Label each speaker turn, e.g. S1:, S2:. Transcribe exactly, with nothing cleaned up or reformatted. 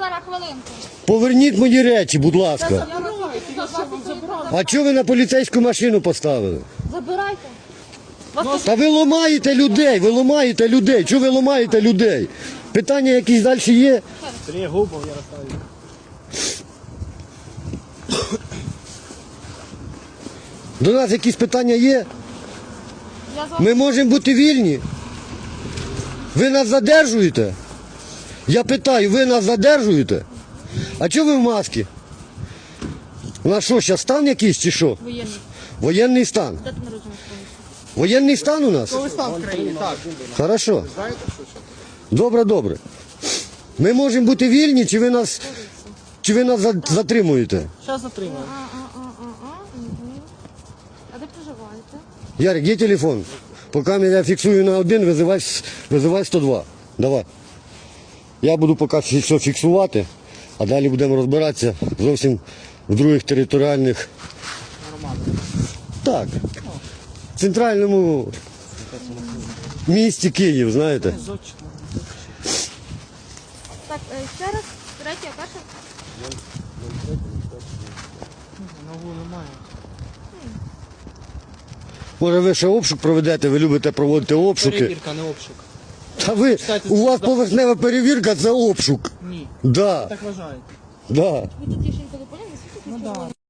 S1: зараз хвилинку.
S2: Поверніть мої речі, будь ласка.
S1: Забирайте, я ще вам забираю.
S2: А чого ви на поліцейську машину поставили?
S1: Забирайте. Вас
S2: Та ви ламаєте людей, ви ламаєте людей. Чого ви ламаєте людей? Питання якісь далі є?
S3: Сергій Губов, Ярославі.
S2: До нас якісь питання є?
S1: я з вами.
S2: Ми можемо бути вільні? Ви нас задержуєте? Я питаю, ви нас задержуєте? А чого ви в масці? У нас що, зараз стан якийсь чи що?
S1: Воєнний.
S2: Воєнний стан.
S1: Дати народження сповнити.
S2: Воєнний стан у нас?
S3: Ви стан в країні, так.
S2: Хорошо.
S3: Знаєте, що це?
S2: Добре, добре. Ми можемо бути вільні, чи ви нас, чи ви нас за- затримуєте?
S3: Зараз затримаю.
S1: А, а, а, а, а, угу. А де проживаєте?
S2: Ярик, є телефон? Поки я фіксую на один, визивай, визивай сто два. Давай. Я буду поки все фіксувати, а далі будемо розбиратися зовсім в других територіальних. Так. В центральному місті Київ, знаєте.
S1: Так, е, ще раз, третя, перша.
S3: Нову немає.
S2: Може ви ще обшук проведете, ви любите проводити обшуки.
S3: Перевірка, не обшук.
S2: Та ви,
S3: Читайте,
S2: у вас
S3: це-
S2: поверхнева перевірка, це обшук.
S3: Ні.
S2: Да,
S3: Так вважаєте.
S2: да.
S1: Ви тут тішенько допомогли?
S3: Ну так.